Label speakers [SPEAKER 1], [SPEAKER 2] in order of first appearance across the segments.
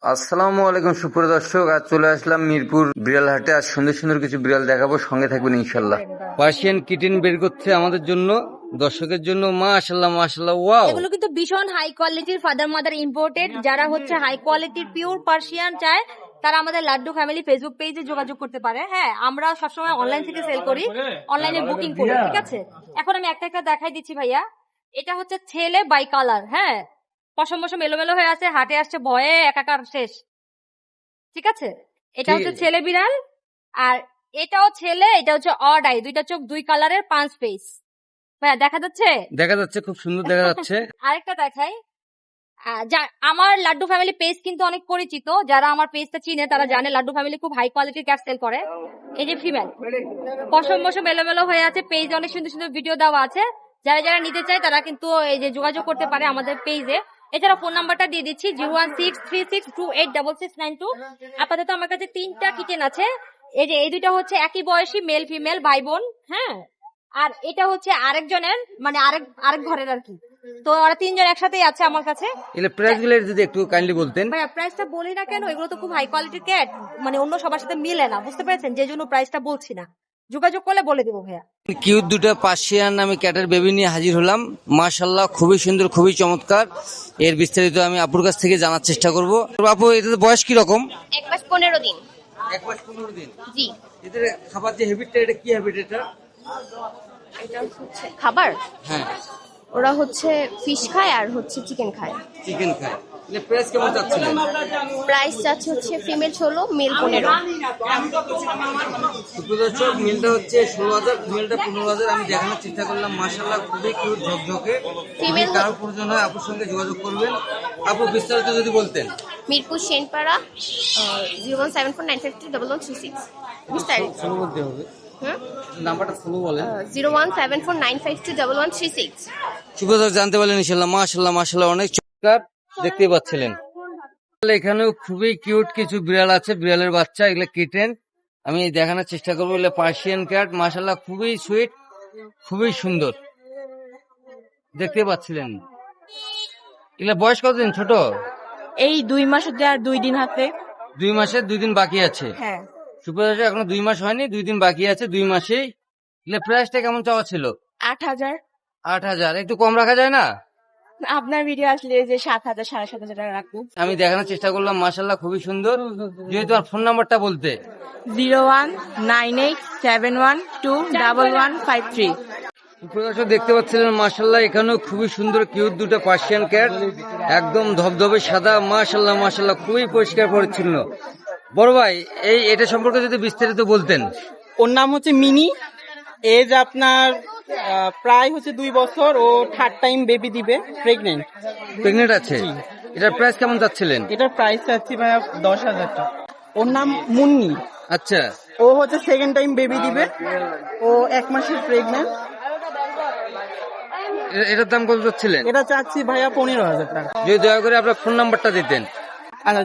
[SPEAKER 1] আসসালামু আলাইকুম সুপ্রিয় দর্শক, আজ চলে আসলাম মিরপুর বিড়াল হাটে। আজ সুন্দর সুন্দর কিছু বিড়াল দেখাবো, সঙ্গে থাকবেন ইনশাল্লাহ। পার্সিয়ান কিটেন বের করছে আমাদের জন্য, দর্শকের জন্য। মাশাআল্লাহ মাশাআল্লাহ, ওয়াও।
[SPEAKER 2] এগুলো কিন্তু ভীষণ হাই কোয়ালিটির ফাদার মাদার ইম্পোর্টেড। যারা হচ্ছে হাই কোয়ালিটির পিওর পার্সিয়ান চায় তারা আমাদের লাড্ডু ফ্যামিলি ফেসবুক পেজে যোগাযোগ করতে পারে। হ্যাঁ, আমরা সবসময় অনলাইন থেকে সেল করি, অনলাইনে বুকিং করি, ঠিক আছে। এখন আমি একটা একটা দেখাই দিচ্ছি ভাইয়া। এটা হচ্ছে ছেলে বাই কালার। হ্যাঁ, পশম পশম এলোমেলো হয়ে আছে, হাটে আসছে ভয়ে একাকার শেষ, ঠিক আছে। এটা হচ্ছে ছেলে বিড়াল, আর এটাও ছেলে, এটা হচ্ছে অড আই, দুইটা চোখ, দুই কালারের, 5 ফেস। ভাইয়া দেখা যাচ্ছে?
[SPEAKER 1] দেখা যাচ্ছে, খুব সুন্দর দেখা যাচ্ছে।
[SPEAKER 2] আরেকটা দেখাই। আমার লাড্ডু ফ্যামিলি পেজ কিন্তু অনেক পরিচিত, যারা আমার পেজটা চিনে তারা জানে লাড্ডু ফ্যামিলি খুব হাই কোয়ালিটির ক্যাট সেল করে। এই যে ফিমেল, পশম মশম এলোমেলো হয়ে আছে, পেজে অনেক সুন্দর সুন্দর ভিডিও দেওয়া আছে। যারা যারা নিতে চায় তারা কিন্তু এই যে যোগাযোগ করতে পারে আমাদের পেজে। এছাড়া ফোন নাম্বারটা দিয়ে দিচ্ছি 01636286692। আপাতত আমার কাছে 3টা কিচেন আছে। এই যে এই দুইটা হচ্ছে একই বয়সী মেল ফিমেল ভাই বোন। হ্যাঁ, আর এটা হচ্ছে আরেকজনের, মানে আরেক ঘরের আর কি। তো ওরা 3জন একসাথেই আছে আমার কাছে।
[SPEAKER 1] এগুলো প্রাইস গুলো যদি একটু কাইন্ডলি বলতেন।
[SPEAKER 2] ভাইয়া প্রাইসটা বলি না কেন, এগুলো তো খুব হাই কোয়ালিটির ক্যাট, মানে অন্য সবার সাথে মিলে না, বুঝতে পেরেছেন, যে জন্য প্রাইসটা বলছি না। যোগাযোগ করলে বলে দেবো ভাইয়া।
[SPEAKER 1] কিউট দুটো পার্সিয়ান আমি ক্যাটের বেবি নিয়ে হাজির হলাম। মাশাআল্লাহ, খুবই সুন্দর, খুবই চমৎকার। এর বিস্তারিত আমি আপুর কাছ থেকে জানার চেষ্টা করব। আপু, এটার বয়স কি রকম?
[SPEAKER 2] 1 মাস 15 দিন।
[SPEAKER 1] 1 মাস 15 দিন।
[SPEAKER 2] জি।
[SPEAKER 1] এদের খাবার যে হ্যাবিটটা, এটা কি হ্যাবিট?
[SPEAKER 3] এটা হচ্ছে খাবার,
[SPEAKER 1] হ্যাঁ,
[SPEAKER 3] ওরা হচ্ছে ফিশ খায় আর হচ্ছে চিকেন খায়।
[SPEAKER 1] চিকেন খায়। এর প্রাইস কেমন চাচ্ছিলেন?
[SPEAKER 3] প্রাইস চাচ্ছে হচ্ছে ফিমেল 16, মেল 15।
[SPEAKER 1] সুপ্রদর্শক, মেলটা হচ্ছে 16,000, ফিমেলটা 15,000। আমি দেখানোর চেষ্টা করলাম। মাশাআল্লাহ, খুবই কিউট, ঝকঝকে। ফিমেল কারোর প্রয়োজন হয় আপুর সঙ্গে যোগাযোগ করবেন। আপু, বিস্তারিত যদি বলতেন।
[SPEAKER 3] মিরপুর সেনপাড়া 01749531136। বিস্তারিত
[SPEAKER 1] বলতে হবে, নাম্বারটা ফলো বলেন।
[SPEAKER 3] 01749521136।
[SPEAKER 1] সুপ্রদর্শক, জানতে পারলেন ইনশাআল্লাহ। মাশাআল্লাহ মাশাআল্লাহ, অনেক চমৎকার দেখতে পাচ্ছিলেন। এখানেও খুবই কিউট কিছু বিড়াল আছে, বিড়ালের বাচ্চা, এগুলো কিটেন। আমি দেখানোর চেষ্টা করবো। এগুলো পার্সিয়ান ক্যাট, মাশাআল্লাহ, খুবই সুইট, খুবই সুন্দর দেখতে পাচ্ছিলেন। এগুলো বয়স কতদিন? ছোট,
[SPEAKER 4] এই 2 মাস হতে আর 2 দিন হাতে।
[SPEAKER 1] 2 মাসের 2 দিন বাকি আছে।
[SPEAKER 4] হ্যাঁ,
[SPEAKER 1] সুপ্রদর্শক, এখনো 2 মাস হয়নি, 2 দিন বাকি আছে। 2 মাসেই। এগুলো প্রাইসটা কেমন চাওয়া ছিল?
[SPEAKER 4] 8,000।
[SPEAKER 1] 8,000, একটু কম রাখা যায় না?
[SPEAKER 4] আপনার ভিডিও আসলে যে 7,000 7,500 টাকা রাখবো।
[SPEAKER 1] আমি দেখানোর চেষ্টা করলাম। মাশাআল্লাহ, খুবই সুন্দর। যদি তোমার ফোন নাম্বারটা বলতে।
[SPEAKER 4] 01987121153।
[SPEAKER 1] প্রদর্শক, দেখতে পাচ্ছিলেন মাশাআল্লাহ, এখানেও খুবই সুন্দর কিউট দুটো পার্সিয়ান ক্যাট, একদম ধবধবে সাদা। মাশাআল্লাহ মাশাআল্লাহ, খুবই পরিষ্কার পরিচ্ছন্ন। বড় ভাই, এটা সম্পর্কে যদি বিস্তারিত বলতেন।
[SPEAKER 5] ওর নাম হচ্ছে মিনি। এজ আপনার প্রায় হচ্ছে 2 বছর। ও 3rd টাইম বেবি দিবে, প্রেগনেন্ট
[SPEAKER 1] আছে। এটার প্রাইস কেমন চাচ্ছিলেন?
[SPEAKER 5] এটার প্রাইস চাচ্ছি ভাইয়া 10,000 টাকা। ওর নাম মুন্নি।
[SPEAKER 1] আচ্ছা,
[SPEAKER 5] ও হচ্ছে 2nd টাইম বেবি দিবে। ও 1 মাসের প্রেগনেন্ট।
[SPEAKER 1] এটার দাম কত চাচ্ছিলেন?
[SPEAKER 5] এটা চাচ্ছি ভাইয়া 15,000 টাকা।
[SPEAKER 1] যদি দয়া করে আপনার ফোন নাম্বারটা দিতেন।
[SPEAKER 5] আচ্ছা,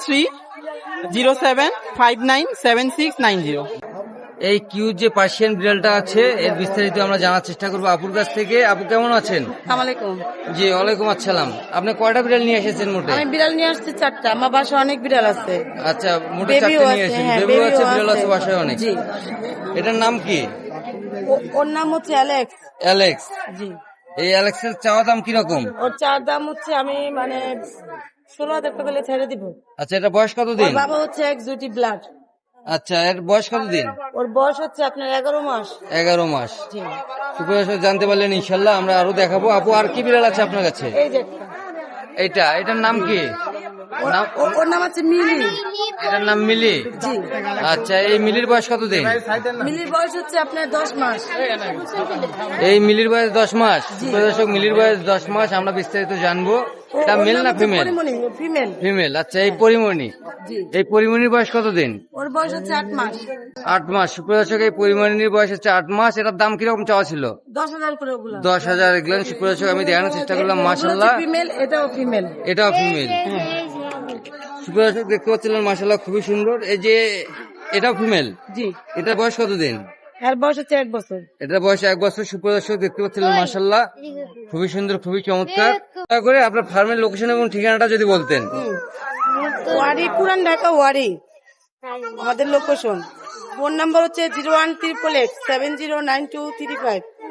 [SPEAKER 5] 01307597690।
[SPEAKER 1] এই কিউট যে পার্সিয়ান বিড়ালটা আছে, এর বিস্তারিত আমরা জানার চেষ্টা করবো আপুর কাছ থেকে। আপু, কেমন আছেন?
[SPEAKER 4] আসসালামু আলাইকুম।
[SPEAKER 1] জি, ওয়ালাইকুম আসসালাম। আপনি কয়টা বিড়াল নিয়ে এসেছেন মোটে?
[SPEAKER 4] আমি বিড়াল নিয়ে আসছি 4টা। আমার বাসায় অনেক বিড়াল আছে।
[SPEAKER 1] আচ্ছা, মোটে
[SPEAKER 4] বেবিও
[SPEAKER 1] 4টে নিয়ে
[SPEAKER 4] আছে,
[SPEAKER 1] এসেছেন।
[SPEAKER 4] হ্যাঁ,
[SPEAKER 1] বেবিও আছে,
[SPEAKER 4] বেবিও
[SPEAKER 1] বিড়াল আছে
[SPEAKER 4] আছে।
[SPEAKER 1] বাসায় অনেক।
[SPEAKER 4] জি।
[SPEAKER 1] এটার নাম কি?
[SPEAKER 4] ওর নাম হচ্ছে অ্যালেক্স।
[SPEAKER 1] অ্যালেক্স।
[SPEAKER 4] জি।
[SPEAKER 1] এই অ্যালেক্সের চাওয়া দাম কিরকম?
[SPEAKER 4] ওর চার দাম হচ্ছে আমি 16,000 টাকা করে ছেড়ে দিব।
[SPEAKER 1] আচ্ছা, এটা বয়স
[SPEAKER 4] ওর
[SPEAKER 1] কতদিন?
[SPEAKER 4] বাবা হচ্ছে এক্সোটিক ব্লাড।
[SPEAKER 1] আচ্ছা, এর বয়স কতদিন?
[SPEAKER 4] ওর বয়স হচ্ছে আপনার 11 মাস।
[SPEAKER 1] 11 মাস।
[SPEAKER 4] জি।
[SPEAKER 1] সুপ্রদর্শক, জানতে পারলেন ইনশাল্লাহ। আমরা আরো দেখাবো। আপু, আর কি বিড়াল আছে আপনার কাছে?
[SPEAKER 4] এই যে একটা।
[SPEAKER 1] এটার নাম কি?
[SPEAKER 4] ওর নাম হচ্ছে মিলি।
[SPEAKER 1] এটার নাম মিলি।
[SPEAKER 4] জি।
[SPEAKER 1] আচ্ছা, এই মিলির বয়স কতদিন?
[SPEAKER 4] মিলির বয়স হচ্ছে আপনার 10 মাস।
[SPEAKER 1] এই মিলির বয়স 10 মাস। সুপ্রদর্শক, মিলির বয়স 10 মাস। আমরা বিস্তারিত জানবো। এটা মেল না ফিমেল?
[SPEAKER 4] ফিমেল।
[SPEAKER 1] ফিমেল। আচ্ছা, এই পরিমণি,
[SPEAKER 4] জি।
[SPEAKER 1] এই পরিমণির বয়স কতদিন?
[SPEAKER 4] ওর বয়স হচ্ছে 8 মাস।
[SPEAKER 1] 8 মাস। সুপ্রদর্শক, এই পরিমণির বয়স হচ্ছে 8 মাস। এটার দাম কিরকম চাওয়া ছিল?
[SPEAKER 4] 10,000 করে ওগুলা।
[SPEAKER 1] 10,000 এগুলো। সুপ্রদর্শক, আমি দেখানোর চেষ্টা করলাম। মাশাআল্লাহ,
[SPEAKER 4] ফিমেল, এটাও ফিমেল।
[SPEAKER 1] এটাও ফিমেল। সুপ্রদর্শক, দেখতে পাচ্ছিলেন মাশাআল্লাহ, খুবই সুন্দর। এই যে এটাও ফিমেল।
[SPEAKER 4] জি।
[SPEAKER 1] এটার বয়স কতদিন?
[SPEAKER 4] এর বয়স হচ্ছে 1 বছর।
[SPEAKER 1] এটার বয়স 1 বছর। সুপ্রদর্শক দেখতে পাচ্ছিলেন, মাশাল্লাহ খুবই সুন্দর, খুবই চমৎকার। দয়া করে আপনার ফার্মের লোকেশন এবং ঠিকানাটা যদি বলতেন।
[SPEAKER 4] ওয়ারি, পুরান ঢাকা ওয়ারি আমাদের লোকেশন। ফোন নাম্বার হচ্ছে 01388 709235।